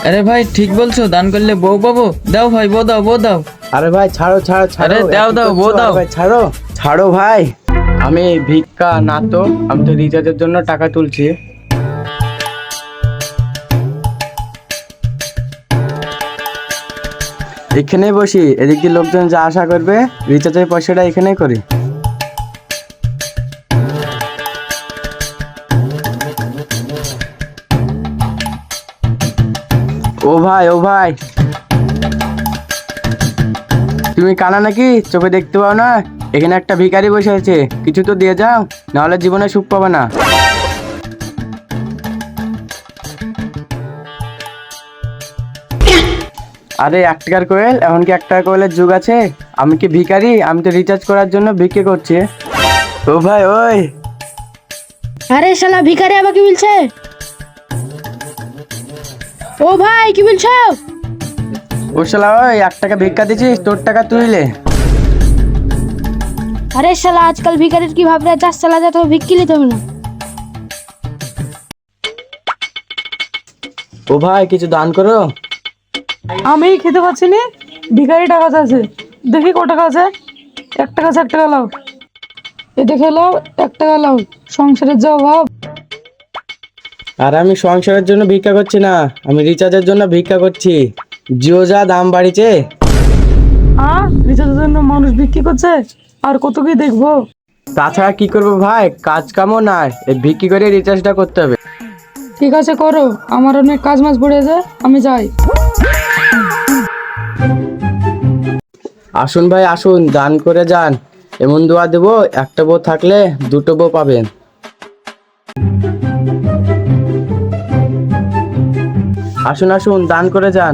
আরে ভাই ঠিক বলছো, দান করলে বউ পাবো। দাও ভাই, বউ দাও, বউ দাও। আরে ভাই ছাড়ো ছাড়ো ছাড়ো, আরে দাও দাও, বউ দাও। ভাই ছাড়ো ছাড়ো ভাই। আমি ভিক্ষা না তো, আমি তো রিচার্জের জন্য টাকা তুলছি। এখানেই বসি, এদিক দিয়ে লোকজন যা আশা করবে রিচার্জের পয়সাটা এখানেই করি। ও ভাই ও ভাই, তুমি কানা নাকি? চোখে দেখতে পাও না? এখানে একটা ভিখারি বসে আছে, কিছু তো দিয়ে যাও, নাহলে জীবনে সুখ পাবে না। আরে 1 টাকার কোয়েল, এখন কি 1 টাকা কোয়েলের যুগ আছে? আমি কি ভিখারি? আমি তো রিচার্জ করার জন্য ভিক্ষে করছি। ও ভাই ওই, আরে শালা ভিখারি আবার কি বলছে? ও ভাই কি বলছো? ও শালা ওই 1 টাকা ভিক্ষা দিছিস, তোর টাকা তুইলে। আরে শালা আজকাল ভিখারির কি ভাবরে, চাষ চালা যা তো ভিক্ষি নিতে হবে না। ও ভাই কিছু দান করো। আমি খেতে পাচ্ছি না, ভিখারি টাকা চাইছে। দেখি কত টাকা আছে। 1 টাকা আছে, 1 টাকা লাও। এ দেখে লাও, 1 টাকা লাও। সংসারের যা অভাব। আর আমি সংসারের জন্য ভিক্ষা করছি না, আমি রিচার্জের জন্য ভিক্ষা করছি। জিও যা দাম বাড়িছে। রিচার্জের জন্য মানুষ বিক্রি করছে, আর কত কি দেখবো। তাছাড়া কি করবো ভাই, কাজ কামও নাই, এই বিক্রি করে রিচার্জটা করতে হবে। ঠিক আছে করো, আমার অনেক কাজ মাছ পড়েছে, আমি যাই। আসুন ভাই আসুন, দান করে যান। এমন দোয়া দেবো, একটা বউ থাকলে 2টো বউ পাবেন। আসুন আসুন, দান করে যান।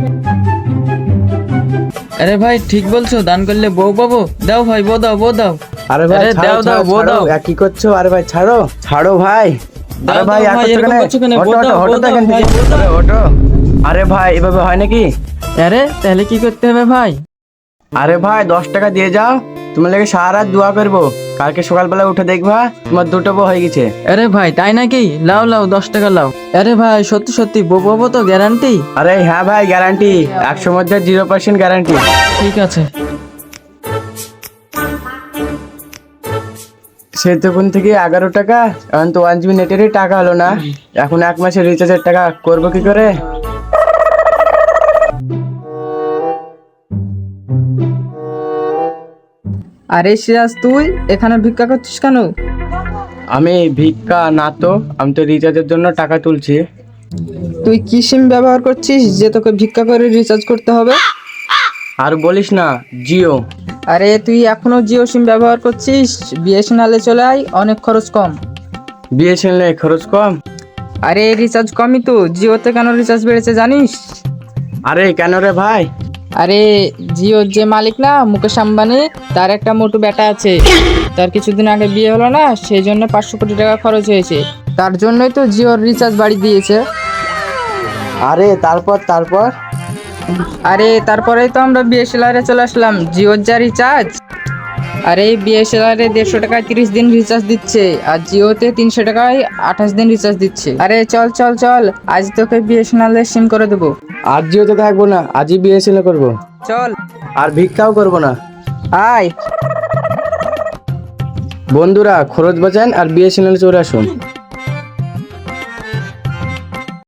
আরে ভাই ঠিক বলছো, দান করলে বউ পাবো। দাও ভাই, বউ দাও, বউ দাও। আরে ভাই আরে ছাড়ো, দাও দাও, ছাড়ো, বউ ছাড়ো। দাও। কি করছো? আরে ভাই ছাড়ো ছাড়ো ভাই। দাও, আরে ভাই দাও ভাই, এরকম করছো কেন? বউ দাও, বউ দাও, ভাই, বউ দাও। ওটো। আরে ভাই এভাবে হয় নাকি? আরে তাহলে কি করতে হবে ভাই? আরে ভাই 10 টাকা দিয়ে যাও, তোমার লেগে সারা রাত দোয়া করবো। কালকে সকালবেলা উঠে দেখবা তোমার 2টো বউ হয়ে গেছে। আরে ভাই তাই নাকি? লাও লাও, 10 টাকা লাও। আরে ভাই সত্যি সত্যি বউ পাবো তো, গ্যারান্টি? আরে হ্যাঁ ভাই গ্যারান্টি, 100 মধ্যে 0% গ্যারান্টি। ঠিক আছে। সে তখন থেকে 11 টাকা, এখন তো 1 GB নেটেরই টাকা হলো না। এখন 1 মাসের রিচার্জের টাকা করবো কি করে? আরে সিরাজ, তুই এখানে ভিক্ষা করছিস কেন? আমি ভিক্ষা না তো, আমি তো রিচার্জের জন্য টাকা তুলছি। তুই কি সিম ব্যবহার করছিস যে তোকে ভিক্ষা করে রিচার্জ করতে হবে? আর বলিস না, জিও। আরে তুই এখনো জিও সিম ব্যবহার করছিস? বিএসএনএল চলে আয়, অনেক খরচ কম। বিএসএনএল খরচ কম? আরে রিচার্জ কমই তো, জিওতে কেন রিচার্জ বেড়েছে জানিস? আরে কেন রে ভাই? আরে জিওর যে মালিক না, মুকেশ আম্বানি, তার একটা মোটু বেটা আছে। তার কিছুদিন আগে বিয়ে হলো না, সেই জন্য 500 কোটি টাকা খরচ হয়েছে। তার জন্যই তো জিওর রিচার্জ বাড়িয়ে দিয়েছে। আরে তারপর আরে তারপরেই তো আমরা বিএসএনএল চলে আসলাম। জিওর যা রিচার্জ, আরে বিএসএনএল 150 টাকায় 30 দিন রিচার্জ দিচ্ছে, আর জিওতে 300 টাকায় 28 দিন রিচার্জ দিচ্ছে। আরে চল চল চল, আজ তোকে বিএসএনএল সিম করে দেবো। আর জিওতে থাকবো না, আজই বিএসএনএল করবো। চল আর ভিক্ষাও করবো না। আয়। বন্ধুরা খরচ বাঁচান আর বিএসএনএল চলে আসুন।